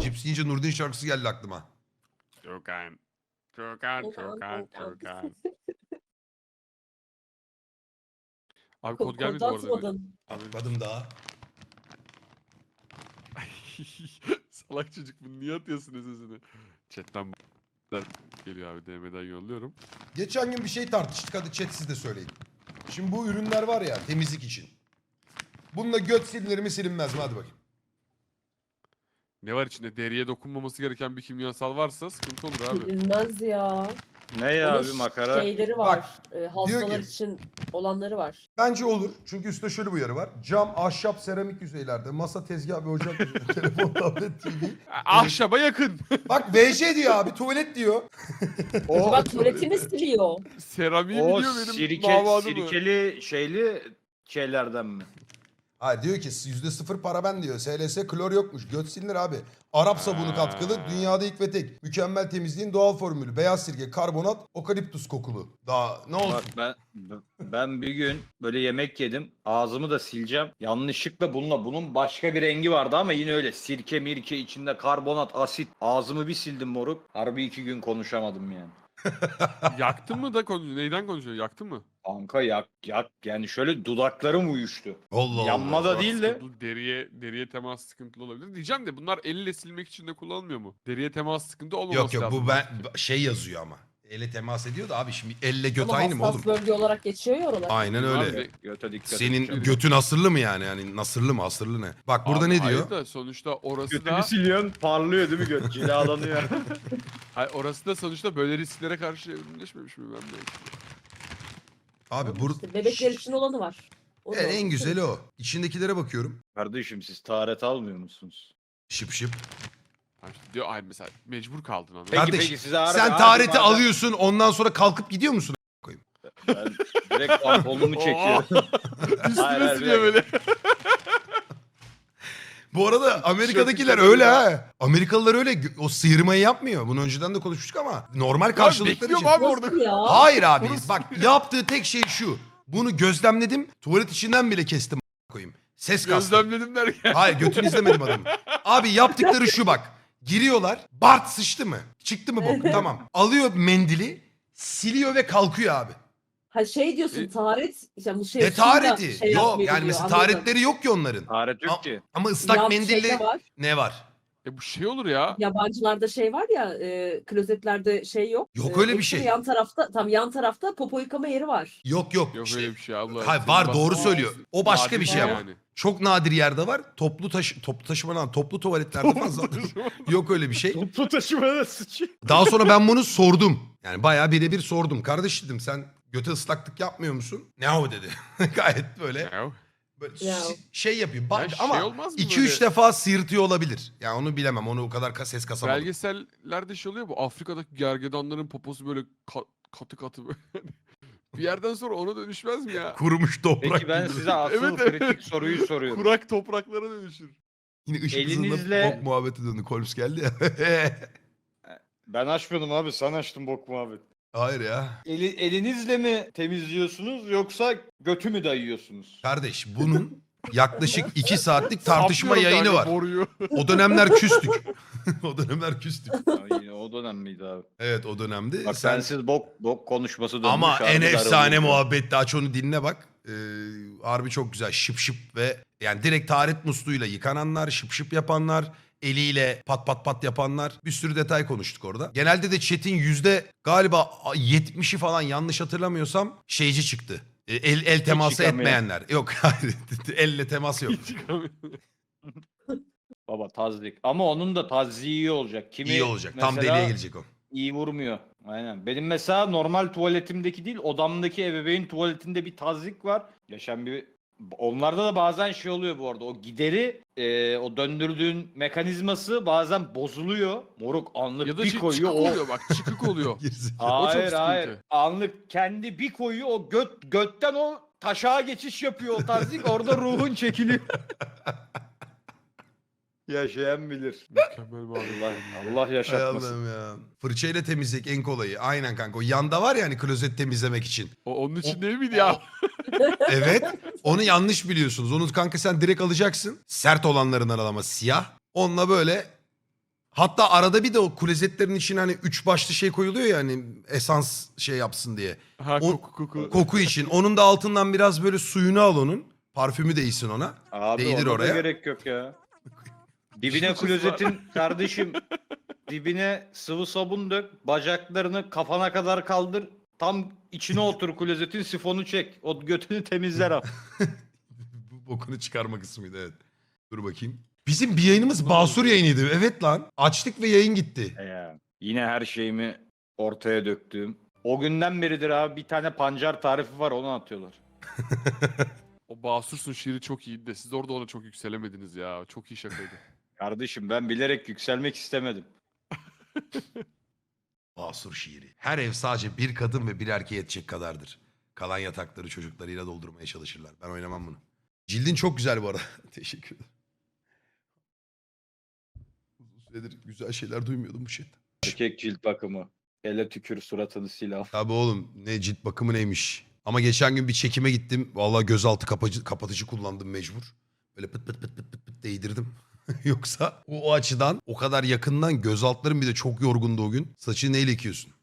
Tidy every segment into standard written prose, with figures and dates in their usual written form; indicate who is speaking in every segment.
Speaker 1: Cips yiyince Nurdin şarkısı geldi aklıma.
Speaker 2: Çokan. Çokan, çokan, çokan. Abi kod gelmedi bu
Speaker 3: Kodu
Speaker 2: arada.
Speaker 3: atmadın.
Speaker 1: Atmadım daha.
Speaker 2: Salak çocuk bunu niye atıyorsun sesini? Chatten geliyor abi DM'den yolluyorum.
Speaker 1: Geçen gün bir şey tartıştık. Hadi chat siz de söyleyin. Şimdi bu ürünler var ya temizlik için. Bununla göt silinir mi silinmez mi? Hadi bakayım.
Speaker 2: Ne var içinde? Deriye dokunmaması gereken bir kimyasal varsa sıkıntı olur abi.
Speaker 3: Bilmez ya.
Speaker 4: Ne ya
Speaker 3: Onun
Speaker 4: abi makara?
Speaker 3: şeyleri
Speaker 1: Bak,
Speaker 3: var. Hastalar
Speaker 1: diyor ki-
Speaker 3: için olanları var.
Speaker 1: Bence olur. Çünkü üstte şöyle bir uyarı var. Cam, ahşap, seramik yüzeylerde, masa, tezgah ve ocak yüzeyleri, telefon, tablet, TV.
Speaker 2: Ahşaba yakın.
Speaker 1: Bak VJ diyor abi, tuvalet diyor.
Speaker 3: Bak tuvaletini siliyor.
Speaker 2: Seramiği
Speaker 4: O
Speaker 2: biliyor benim damadım.
Speaker 4: sirkeli şeyli şeylerden mi?
Speaker 1: Hayır diyor ki %0 para ben diyor. SLS klor yokmuş. Göt silinir abi. Arap sabunu katkılı. Dünyada ilk ve tek. Mükemmel temizliğin doğal formülü. Beyaz sirke, karbonat, okaliptus kokulu. Daha ne olsun?
Speaker 4: Bak ben bir gün böyle yemek yedim. Ağzımı da sileceğim. Yanlışlıkla bunun başka bir rengi vardı ama yine öyle. Sirke mirke içinde karbonat, asit. Ağzımı bir sildim moruk. Harbi 2 gün konuşamadım yani.
Speaker 2: Yaktın mı da konuşuyor? Neyden konuşuyor? Yaktın mı?
Speaker 4: Kanka yak yani şöyle dudaklarım uyuştu.
Speaker 1: Allah Allah.
Speaker 4: Yanma da
Speaker 2: Bak,
Speaker 4: değil de.
Speaker 2: sıkıntılı, deriye temas sıkıntılı olabilir. Diyeceğim de bunlar elle silmek için de kullanılmıyor mu? Deriye temas sıkıntı olmaması
Speaker 1: Yok yok
Speaker 2: lazım.
Speaker 1: bu ben şey yazıyor ama. Elle temas ediyor da abi şimdi elle göt
Speaker 3: Ama
Speaker 1: aynı mı
Speaker 3: hassas
Speaker 1: oğlum?
Speaker 3: bölge olarak geçiyor ya oralar.
Speaker 1: Aynen öyle.
Speaker 2: Abi,
Speaker 4: Göte dikkat
Speaker 1: Senin
Speaker 4: et.
Speaker 1: götün asırlı mı yani? Yani nasırlı mı asırlı ne? Bak burada
Speaker 2: Abi
Speaker 1: ne
Speaker 2: hayır
Speaker 1: diyor?
Speaker 2: da sonuçta orası
Speaker 4: Götünü
Speaker 2: da
Speaker 4: siliyorsun parlıyor değil mi göt? Cilalanıyor.
Speaker 2: hayır, orası da sonuçta böyle risklere karşı evrimleşmemiş mi ben de?
Speaker 1: Abi burada
Speaker 3: İşte bebekler için olanı var. O da
Speaker 1: en
Speaker 3: olmuş.
Speaker 1: güzeli o. İçindekilere bakıyorum.
Speaker 4: Kardeşim siz taharet almıyor musunuz?
Speaker 1: Şıp şıp.
Speaker 2: Ha işte diyor ay mesela mecbur kaldın anladın.
Speaker 4: Peki,
Speaker 1: Kardeş
Speaker 4: peki, size harbi-
Speaker 1: sen
Speaker 4: harbi
Speaker 1: tahareti
Speaker 4: madem-
Speaker 1: alıyorsun ondan sonra kalkıp gidiyor musun?
Speaker 4: Ben direkt pantolonumu çekiyorum.
Speaker 2: Üstüne
Speaker 4: hayır,
Speaker 2: siliyor
Speaker 4: bir
Speaker 2: böyle.
Speaker 1: Bu arada Amerika'dakiler
Speaker 2: Tişörtü
Speaker 1: öyle
Speaker 2: çıkarıyor.
Speaker 1: ha. Amerikalılar öyle o sıyırmayı yapmıyor. Bunu önceden de konuşmuştuk ama normal karşılıkları için.
Speaker 2: bekliyorum abi orada.
Speaker 3: Nasıl ya?
Speaker 1: Hayır abi
Speaker 2: Orası-
Speaker 1: bak yaptığı tek şey şu. Bunu gözlemledim. Tuvalet içinden bile kestim koyayım. Ses kastım.
Speaker 2: Gözlemledim derken.
Speaker 1: Hayır götünü izlemedim adamı. Abi yaptıkları şu bak. Giriyorlar. Bart sıçtı mı? Çıktı mı bok? Tamam. Alıyor mendili. Siliyor ve kalkıyor abi.
Speaker 3: Ha şey diyorsun taharet. İşte bu şey,
Speaker 1: Ne tahareti?
Speaker 3: suyla şey
Speaker 1: Yok
Speaker 3: yapmıyor
Speaker 1: yani
Speaker 3: diyor,
Speaker 1: mesela
Speaker 3: anladım.
Speaker 1: taharetleri yok ki onların.
Speaker 4: Taharet yok ki.
Speaker 1: Ama ıslak
Speaker 3: Ya
Speaker 1: mendille
Speaker 3: şeyde var.
Speaker 1: ne var?
Speaker 2: Bu şey olur ya.
Speaker 3: Yabancılarda şey var ya klozetlerde şey yok.
Speaker 1: Yok öyle bir
Speaker 3: hepsi
Speaker 1: şey.
Speaker 3: Yan tarafta tam yan tarafta popo yıkama yeri var.
Speaker 1: Yok yok.
Speaker 2: Yok
Speaker 1: İşte-
Speaker 2: öyle bir şey Allah.
Speaker 1: Hayır
Speaker 2: Senin
Speaker 1: var
Speaker 2: bahsettiğin
Speaker 1: doğru söylüyor. O başka bir
Speaker 2: nadir
Speaker 1: şey ama.
Speaker 2: yani.
Speaker 1: Çok nadir yerde var. Toplu taşıma lan toplu tuvaletlerde fazla. Yok öyle bir şey.
Speaker 4: Toplu taşımada sıçıyor.
Speaker 1: Daha sonra ben bunu sordum. Yani bayağı birebir sordum. Kardeş dedim sen göte ıslaklık yapmıyor musun? Ne o dedi. Gayet böyle,
Speaker 2: Ya,
Speaker 1: böyle
Speaker 3: Ya.
Speaker 1: şey yapıyor. Bak,
Speaker 2: Ya şey
Speaker 1: ama
Speaker 2: olmaz mı
Speaker 1: 2-3
Speaker 2: böyle?
Speaker 1: defa sıyırtıyor olabilir. Yani onu bilemem. Onu o kadar ses kasamadım.
Speaker 2: belgesellerde şey oluyor bu Afrika'daki gergedanların poposu böyle katı katı böyle. Bir yerden sonra ona dönüşmez mi ya?
Speaker 1: Kurumuş toprak
Speaker 4: Peki ben
Speaker 1: gibi.
Speaker 4: size asıl
Speaker 2: Evet, evet.
Speaker 4: kritik soruyu soruyorum.
Speaker 2: Kurak topraklara dönüşür.
Speaker 1: Yine ışık hızında
Speaker 4: Elinizle-
Speaker 1: bok muhabbeti döndü. Holmes geldi ya.
Speaker 4: Ben açmadım abi sen açtın bok muhabbet.
Speaker 1: Hayır ya.
Speaker 4: Elinizle mi temizliyorsunuz yoksa götü mü dayıyorsunuz?
Speaker 1: Kardeş bunun yaklaşık 2 saatlik tartışma
Speaker 2: Saplıyorum
Speaker 1: yayını
Speaker 2: kanka
Speaker 1: var.
Speaker 2: boruyu.
Speaker 1: O dönemler küstük. O dönemler küstük.
Speaker 4: Ya yine o dönem miydi abi?
Speaker 1: Evet o dönemde.
Speaker 4: Bak sensiz bok konuşması dönmüş.
Speaker 1: Ama
Speaker 4: harbi
Speaker 1: en efsane
Speaker 4: darılıyor.
Speaker 1: muhabbetti. Aç onu dinle bak. Harbi çok güzel. Şıp şıp ve yani direkt taharet musluğuyla yıkananlar, şıp şıp yapanlar, eliyle pat pat pat yapanlar. Bir sürü detay konuştuk orada. Genelde de chat'in galiba 70'i falan yanlış hatırlamıyorsam şeyci çıktı. El teması
Speaker 4: yıkamayan.
Speaker 1: etmeyenler. Yok hayır. Elle temas yok.
Speaker 2: Hiç çıkamıyorum.
Speaker 4: Baba tazik. Ama onun da taziği iyi olacak. Kimi
Speaker 1: İyi olacak. Tam
Speaker 4: mesela
Speaker 1: deliğe gelecek o.
Speaker 4: iyi vurmuyor. Aynen. Benim mesela normal tuvaletimdeki değil odamdaki ebeveyn tuvaletinde bir tazik var. Yaşam bir onlarda da bazen şey oluyor bu arada. O gideri o döndürdüğün mekanizması bazen bozuluyor. Moruk anlık
Speaker 2: Ya da
Speaker 4: bir
Speaker 2: şey
Speaker 4: koyuyor.
Speaker 2: çıkık
Speaker 4: O...
Speaker 2: oluyor bak çıkık oluyor.
Speaker 1: Gerizekalı.
Speaker 2: O çok
Speaker 4: Hayır
Speaker 2: sıkıntı.
Speaker 4: hayır. Anlık kendi bir koyuyor o götten o taşağa geçiş yapıyor o tazik. Orada ruhun çekiliyor. Yaşayan bilir.
Speaker 2: Mükemmel bir abi.
Speaker 4: Allah
Speaker 1: Hay
Speaker 4: yaşatmasın.
Speaker 1: Allah'ım ya. Fırçayla temizleyecek en kolayı. Aynen kanka. O yanda var ya hani klozet temizlemek için.
Speaker 2: Onun için değil miydi ya?
Speaker 1: Evet. Onu yanlış biliyorsunuz. Onu kanka sen direkt alacaksın. Sert olanlarından al ama siyah. Onunla böyle Hatta arada bir de o klozetlerin içine hani 3 başlı şey koyuluyor ya hani esans şey yapsın diye.
Speaker 2: Ha
Speaker 1: O-
Speaker 2: koku.
Speaker 1: Koku için. Onun da altından biraz böyle suyunu al onun. Parfümü değsin ona.
Speaker 4: Abi
Speaker 1: Değdir
Speaker 4: ona da
Speaker 1: oraya.
Speaker 4: gerek yok ya. Dibine
Speaker 2: Şurası var.
Speaker 4: klozetin kardeşim dibine sıvı sabun dök. Bacaklarını kafana kadar kaldır. Tam içine otur klozetin, sifonu çek. O götünü temizler abi.
Speaker 1: Bu bokunu çıkarma kısmıydı evet. Dur bakayım. Bizim bir yayınımız Basur yayınıydı. Evet lan. Açtık ve yayın gitti.
Speaker 4: Ya, yine her şeyimi ortaya döktüğüm. O günden beridir abi bir tane pancar tarifi var, onu atıyorlar.
Speaker 2: O Basursun şiiri çok iyiydi de siz orada ona çok yükselemediniz ya. Çok iyi şakaydı.
Speaker 4: Kardeşim ben bilerek yükselmek istemedim.
Speaker 1: Basur şiiri. Her ev sadece bir kadın ve bir erkeğe yetecek kadardır. Kalan yatakları çocuklarıyla doldurmaya çalışırlar. Ben oynamam bunu. Cildin çok güzel bu arada. Teşekkür ederim. Uzun süredir güzel şeyler duymuyordum bu şeyden.
Speaker 4: Erkek cilt bakımı. Ele tükür suratını sil al.
Speaker 1: Tabii oğlum ne cilt bakımı neymiş. Ama geçen gün bir çekime gittim. Vallahi gözaltı kapatıcı kullandım mecbur. Böyle pıt pıt pıt pıt pıt pıt değdirdim. Yoksa o açıdan o kadar yakından gözaltlarım bir de çok yorgundu o gün. Saçını neyle yıkıyorsun?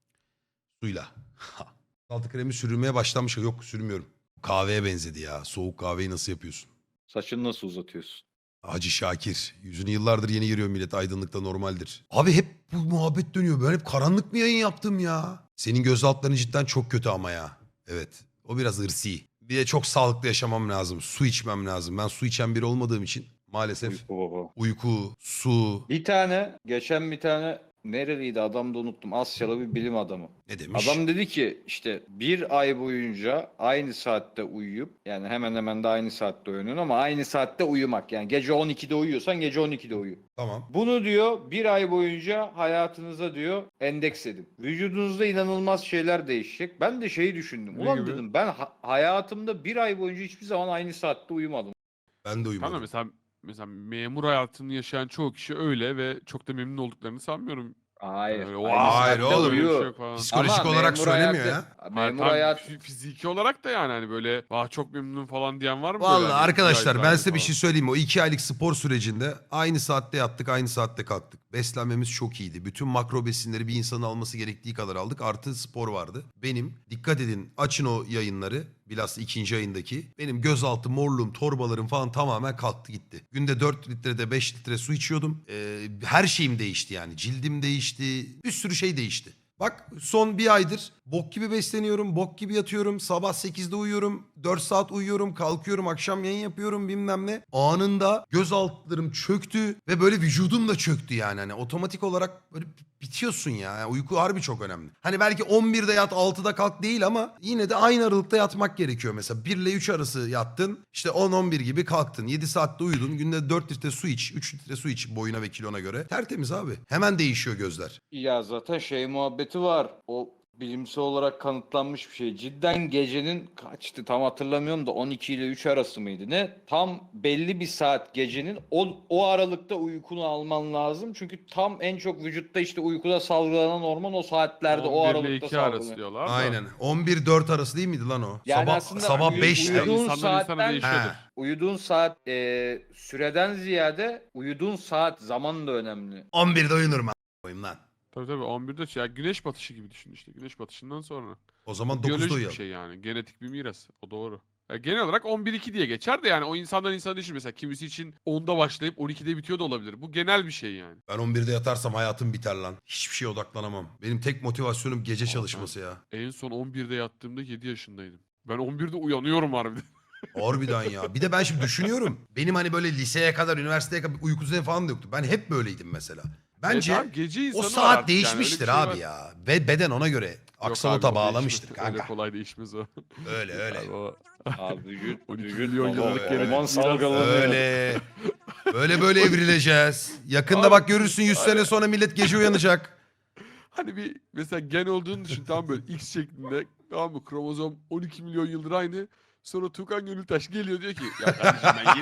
Speaker 1: Suyla. Gözaltı kremi sürülmeye başlamış. Yok sürmüyorum. Kahveye benzedi ya. Soğuk kahveyi nasıl yapıyorsun?
Speaker 4: Saçını nasıl uzatıyorsun?
Speaker 1: Hacı Şakir. Yüzünü yıllardır yeni giriyor millet. Aydınlıkta normaldir. Abi hep bu muhabbet dönüyor. Ben hep karanlık mı yayın yaptım ya? Senin gözaltların cidden çok kötü ama ya. Evet. O biraz ırsi. Bir de çok sağlıklı yaşamam lazım. Su içmem lazım. Ben su içen biri olmadığım için maalesef
Speaker 4: Uyku baba.
Speaker 1: uyku, su
Speaker 4: Geçen bir tane nereliydi adam da unuttum. Asyalı bir bilim adamı.
Speaker 1: ne demiş?
Speaker 4: Adam dedi ki işte bir ay boyunca aynı saatte uyuyup, yani hemen hemen de aynı saatte uyanıyorsun ama aynı saatte uyumak. Yani gece 12'de uyuyorsan gece 12'de uyu.
Speaker 1: Tamam.
Speaker 4: Bunu diyor bir ay boyunca hayatınıza diyor endeks edin. Vücudunuzda inanılmaz şeyler değişecek. Ben de şeyi düşündüm.
Speaker 2: Ne
Speaker 4: Ulan
Speaker 2: gibi?
Speaker 4: dedim ben hayatımda bir ay boyunca hiçbir zaman aynı saatte uyumadım.
Speaker 1: Ben de uyumadım.
Speaker 2: Tamam mesela memur hayatını yaşayan çoğu kişi öyle ve çok da memnun olduklarını sanmıyorum.
Speaker 4: Hayır.
Speaker 2: Öyle,
Speaker 4: aynı
Speaker 1: hayır
Speaker 4: saatte
Speaker 1: oğlum.
Speaker 2: Öyle bir
Speaker 4: uyu.
Speaker 2: şey yok falan.
Speaker 1: Psikolojik
Speaker 4: Ama
Speaker 1: olarak
Speaker 4: memur
Speaker 1: söylemiyor
Speaker 4: hayatı-
Speaker 1: ya.
Speaker 2: Hayır,
Speaker 4: Memur
Speaker 2: tamam,
Speaker 4: hayat
Speaker 2: fiziki olarak da yani hani böyle çok memnun falan diyen var mı? böyle
Speaker 1: Vallahi
Speaker 2: hani
Speaker 1: arkadaşlar
Speaker 2: bir
Speaker 1: ben
Speaker 2: aydır
Speaker 1: size bir
Speaker 2: falan?
Speaker 1: şey söyleyeyim mi? O 2 aylık spor sürecinde aynı saatte yattık, aynı saatte kalktık. Beslenmemiz çok iyiydi. Bütün makro besinleri bir insanın alması gerektiği kadar aldık. Artı spor vardı. Benim, dikkat edin açın o yayınları. Bilhassa ikinci ayındaki. Benim gözaltı morluğum, torbalarım falan tamamen kalktı gitti. Günde 4 litrede 5 litre su içiyordum. Her şeyim değişti yani. Cildim değişti. Bir sürü şey değişti. Bak son bir aydır bok gibi besleniyorum, bok gibi yatıyorum. Sabah 8'de uyuyorum, 4 saat uyuyorum, kalkıyorum, akşam yayın yapıyorum bilmem ne. Anında göz altlarım çöktü ve böyle vücudum da çöktü yani. Hani otomatik olarak böyle bitiyorsun ya. Yani uyku harbi çok önemli. Hani belki 11'de yat 6'da kalk değil ama yine de aynı aralıkta yatmak gerekiyor. Mesela 1 ile 3 arası yattın, işte 10-11 gibi kalktın. 7 saatte uyudun, günde 4 litre su iç, 3 litre su iç boyuna ve kilona göre. Tertemiz abi. Hemen değişiyor gözler.
Speaker 4: Ya zaten şey muhabbeti var. O bilimsel olarak kanıtlanmış bir şey. Cidden gecenin kaçtı tam hatırlamıyorum da 12 ile 3 arası mıydı ne? Tam belli bir saat gecenin o aralıkta uykunu alman lazım. Çünkü tam en çok vücutta işte uykuda salgılanan hormon o saatlerde o
Speaker 2: 11 ile
Speaker 4: aralıkta
Speaker 2: 2 arası
Speaker 4: salgılanıyor.
Speaker 2: diyorlar da.
Speaker 1: Aynen. 11-4 arası değil miydi lan o?
Speaker 4: Yani
Speaker 1: sabah
Speaker 4: aslında
Speaker 1: sabah
Speaker 4: uyu-
Speaker 1: 5'te.
Speaker 2: uyuduğun
Speaker 4: uyuduğun
Speaker 2: insandan insana
Speaker 4: saatten
Speaker 2: değişiyordur.
Speaker 1: He.
Speaker 4: uyuduğun saat süreden ziyade uyuduğun saat zaman da önemli.
Speaker 1: 11'de uyunurum koyayım lan.
Speaker 2: Tabii 11'de ya güneş batışı gibi düşün işte. Güneş batışından sonra.
Speaker 1: O zaman 9'da
Speaker 2: Biyolojik bir
Speaker 1: uyuyalım.
Speaker 2: şey yani. Genetik bir miras. O doğru. Genel olarak 11-2 diye geçer de yani o insandan insana değişir. Mesela kimisi için 10'da başlayıp 12'de bitiyor da olabilir. Bu genel bir şey yani.
Speaker 1: Ben 11'de yatarsam hayatım biter lan. Hiçbir şeye odaklanamam. Benim tek motivasyonum gece
Speaker 2: Aa,
Speaker 1: çalışması ya.
Speaker 2: En son 11'de yattığımda 7 yaşındaydım. Ben 11'de uyanıyorum harbiden.
Speaker 1: Harbiden ya. Bir de ben şimdi düşünüyorum. Benim hani böyle liseye kadar, üniversiteye kadar uyku düzeni falan da yoktu. Ben hep böyleydim mesela. Bence
Speaker 2: abi, gece
Speaker 1: o
Speaker 2: insanı var
Speaker 1: saat
Speaker 2: artık yani, öyle bir
Speaker 1: değişmiştir
Speaker 2: şey
Speaker 1: abi
Speaker 2: var.
Speaker 1: ya. Ve beden ona göre
Speaker 2: Yok
Speaker 1: aksolota
Speaker 2: abi, o
Speaker 1: bağlamıştır
Speaker 2: değişmez. Öyle
Speaker 1: kanka.
Speaker 2: kolay değişmez o.
Speaker 1: Öyle öyle.
Speaker 2: Abi o-
Speaker 4: Abi vücut
Speaker 2: 12
Speaker 4: vücut
Speaker 2: milyon yıllık
Speaker 4: hormon
Speaker 2: genetik
Speaker 4: salgılanıyor.
Speaker 1: Öyle. Böyle evrileceğiz. Yakında bak görürsün 100 sene sonra millet gece uyanacak.
Speaker 2: Hani bir mesela gen olduğunu düşün, tamam böyle X şeklinde, tamam mı, kromozom 12 milyon yıldır aynı. Sonra Tukan Gönültaş geliyor diyor ki ya kardeşim ben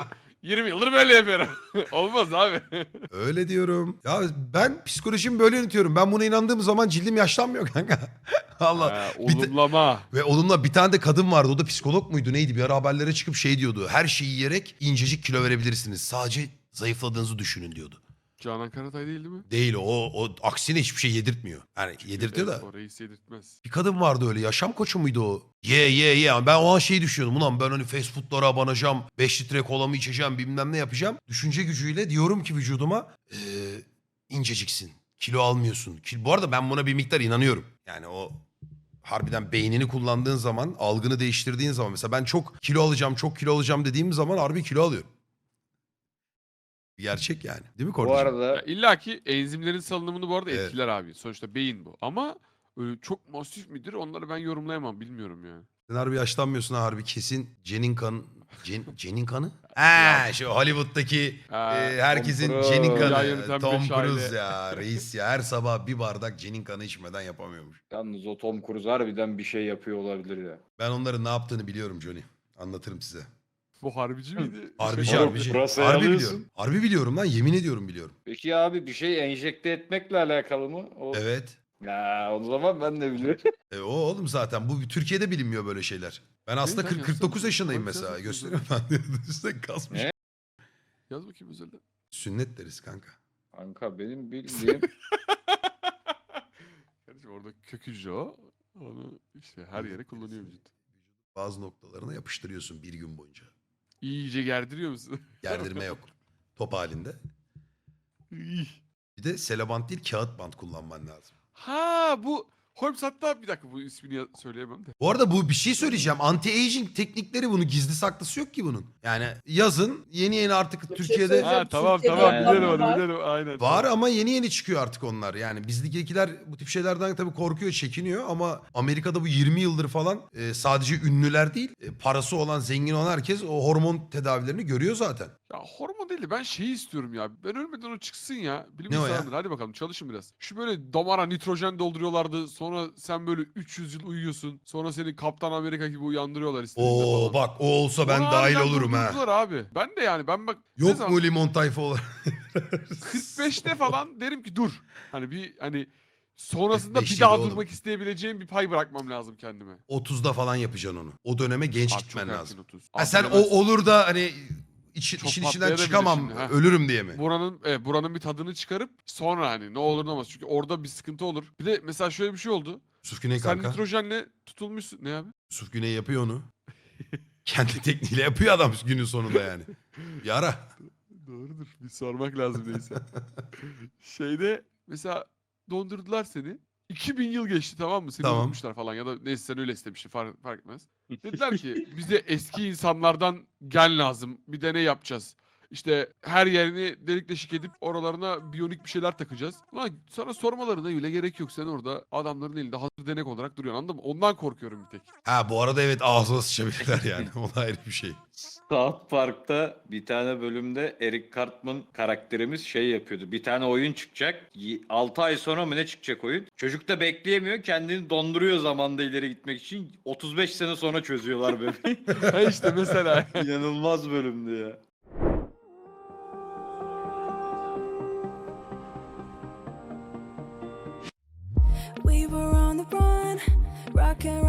Speaker 2: 20 yıldır böyle yapıyorum. Olmaz abi.
Speaker 1: Öyle diyorum. Ya ben psikolojimi böyle yönetiyorum. Ben buna inandığım zaman cildim yaşlanmıyor kanka. Allah.
Speaker 2: Ha,
Speaker 1: Bir de-
Speaker 2: olumlama.
Speaker 1: Ve onunla bir tane de kadın vardı. O da psikolog muydu neydi? Bir ara haberlere çıkıp şey diyordu. Her şeyi yiyerek incecik kilo verebilirsiniz. Sadece zayıfladığınızı düşünün diyordu.
Speaker 2: Canan Karatay değil mi?
Speaker 1: Değil o aksine hiçbir şey yedirtmiyor. Yani yedirtiyor da.
Speaker 2: Evet, o reis yedirtmez.
Speaker 1: Bir kadın vardı öyle, yaşam koçu muydu o? Ye. Ben o an şeyi düşünüyordum. Ulan ben hani fast foodlara abanacağım. 5 litre kolamı içeceğim, bilmem ne yapacağım. Düşünce gücüyle diyorum ki vücuduma inceciksin. Kilo almıyorsun. Bu arada ben buna bir miktar inanıyorum. Yani o harbiden beynini kullandığın zaman, algını değiştirdiğin zaman. Mesela ben çok kilo alacağım dediğim zaman harbi kilo alıyorum. Gerçek yani. Değil mi
Speaker 4: Bu
Speaker 1: Kordacığım?
Speaker 2: Ya
Speaker 4: arada
Speaker 2: illa ki enzimlerin salınımını bu arada
Speaker 1: Evet.
Speaker 2: etkiler abi. Sonuçta beyin bu. Ama öyle çok masif midir onları ben yorumlayamam. Bilmiyorum yani.
Speaker 1: Sen harbi yaşlanmıyorsun ha, harbi kesin Jen'in kanı. Jen'in kanı? Ha
Speaker 2: Ya.
Speaker 1: şu Hollywood'daki
Speaker 2: Ha,
Speaker 1: herkesin
Speaker 4: Tom
Speaker 1: Jen'in
Speaker 4: Cruise.
Speaker 2: Ya
Speaker 1: kanı.
Speaker 2: yöneten
Speaker 1: Tom
Speaker 2: beş
Speaker 1: Cruise
Speaker 2: aile.
Speaker 1: ya reis ya, her sabah bir bardak Jen'in kanı içmeden yapamıyormuş.
Speaker 4: yalnız o Tom Cruise harbiden bir şey yapıyor olabilir ya.
Speaker 1: Ben onların ne yaptığını biliyorum Johnny. Anlatırım size.
Speaker 2: Bu harbici miydi?
Speaker 1: Harbici
Speaker 2: Şey-
Speaker 4: Oğlum,
Speaker 1: harbici.
Speaker 4: pırasayı
Speaker 1: Harbi
Speaker 4: alıyorsun.
Speaker 1: biliyorum. Harbi biliyorum lan, yemin ediyorum biliyorum.
Speaker 4: Peki abi bir şey enjekte etmekle alakalı mı? O...
Speaker 1: Evet.
Speaker 4: Ya o zaman ben de bilirim.
Speaker 1: O oğlum zaten bu Türkiye'de bilinmiyor böyle şeyler. Ben aslında
Speaker 2: lan,
Speaker 1: 49
Speaker 2: yazsana.
Speaker 1: yaşındayım
Speaker 2: Bak,
Speaker 1: mesela.
Speaker 2: yazsana.
Speaker 1: Gösteriyorum ben. Üstte kasmış.
Speaker 4: Ne?
Speaker 2: Yaz bakayım özelden.
Speaker 1: Sünnet deriz kanka.
Speaker 4: Kanka benim bildiğim
Speaker 2: Kardeşim orada kök hücre o. Onu işte her yere kullanıyor vücut.
Speaker 1: Bazı noktalarına yapıştırıyorsun bir gün boyunca.
Speaker 2: İyice gerdiriyor musun?
Speaker 1: Gerdirme yok. Top halinde.
Speaker 2: İy.
Speaker 1: Bir de selobant değil, kağıt bant kullanman lazım.
Speaker 2: Ha bu Holmes, hatta bir dakika bu ismini söyleyemem de.
Speaker 1: Bu arada bu bir şey söyleyeceğim. Anti-aging teknikleri, bunu gizli saklısı yok ki bunun. Yani yazın yeni artık
Speaker 3: şey
Speaker 1: Türkiye'de
Speaker 3: söyleyeceğim.
Speaker 2: Ha tamam
Speaker 3: Türkiye'de
Speaker 2: tamam
Speaker 4: yapılanlar
Speaker 2: biliyorum onu
Speaker 3: var.
Speaker 2: biliyorum aynen.
Speaker 1: var ama yeni çıkıyor artık onlar. Yani bizdekiler bu tip şeylerden tabii korkuyor, çekiniyor ama Amerika'da bu 20 yıldır falan sadece ünlüler değil, parası olan, zengin olan herkes o hormon tedavilerini görüyor zaten.
Speaker 2: Ya hormon değil de ben şeyi istiyorum ya. Ben ölmeden o çıksın ya. Bilim
Speaker 1: Ne o ya?
Speaker 2: insanıdır. Hadi bakalım çalışın biraz. Şu böyle damara nitrojen dolduruyorlardı. Sonra sen böyle 300 yıl uyuyorsun. Sonra seni Kaptan Amerika gibi uyandırıyorlar istediğinde
Speaker 1: Oo
Speaker 2: falan.
Speaker 1: bak, o olsa ben
Speaker 2: Onu
Speaker 1: dahil
Speaker 2: harbiden
Speaker 1: olurum ha.
Speaker 2: durdurdular abi. Ben de yani ben bak ne
Speaker 1: Yok
Speaker 2: zaman
Speaker 1: mu limon tayfa olarak?
Speaker 2: 45'te falan derim ki dur. Hani bir hani sonrasında
Speaker 1: 45
Speaker 2: bir daha
Speaker 1: yıl oğlum.
Speaker 2: durmak isteyebileceğim bir pay bırakmam lazım kendime.
Speaker 1: 30'da falan yapacaksın onu. O döneme genç
Speaker 2: Abi çok
Speaker 1: gitmen
Speaker 2: erken
Speaker 1: lazım.
Speaker 2: 30.
Speaker 1: Ha
Speaker 2: Abi
Speaker 1: sen o
Speaker 2: bilemezsin.
Speaker 1: olur da hani
Speaker 2: Çok
Speaker 1: işin içinden
Speaker 2: patlayabilir
Speaker 1: çıkamam,
Speaker 2: şimdi, ha.
Speaker 1: ölürüm diye mi?
Speaker 2: Buranın bir tadını çıkarıp sonra hani ne olur ne olmaz. Çünkü orada bir sıkıntı olur. Bir de mesela şöyle bir şey oldu.
Speaker 1: Yusuf Güney
Speaker 2: Sen
Speaker 1: kanka.
Speaker 2: nitrojenle tutulmuşsun. Ne abi?
Speaker 1: Yusuf Güney yapıyor onu. Kendi tekniğiyle yapıyor adam günün sonunda yani. Bir ara.
Speaker 2: Doğrudur. Bir sormak lazım neyse. Şeyde mesela dondurdular seni. 2000 yıl geçti tamam mı? Seni
Speaker 1: Tamam.
Speaker 2: unutmuşlar falan ya da neyse sen öyle istemişsin fark etmez. Dediler ki bize eski insanlardan gen lazım. Bir deney yapacağız. İşte her yerini delik deşik edip oralarına biyonik bir şeyler takacağız. Ulan sana sormalarına bile gerek yok. Sen orada adamların elinde hazır denek olarak duruyorsun, anladın mı? Ondan korkuyorum bir tek.
Speaker 1: Ha bu arada evet, ağzına sıçabilirler yani. O da ayrı bir şey.
Speaker 4: South Park'ta bir tane bölümde Eric Cartman karakterimiz şey yapıyordu. Bir tane oyun çıkacak. 6 ay sonra mı ne çıkacak oyun? Çocuk da bekleyemiyor. Kendini donduruyor zamanda ileri gitmek için. 35 sene sonra çözüyorlar bebeği.
Speaker 2: Ha işte mesela.
Speaker 4: İnanılmaz bölümdü ya.
Speaker 5: We were on the run, rocking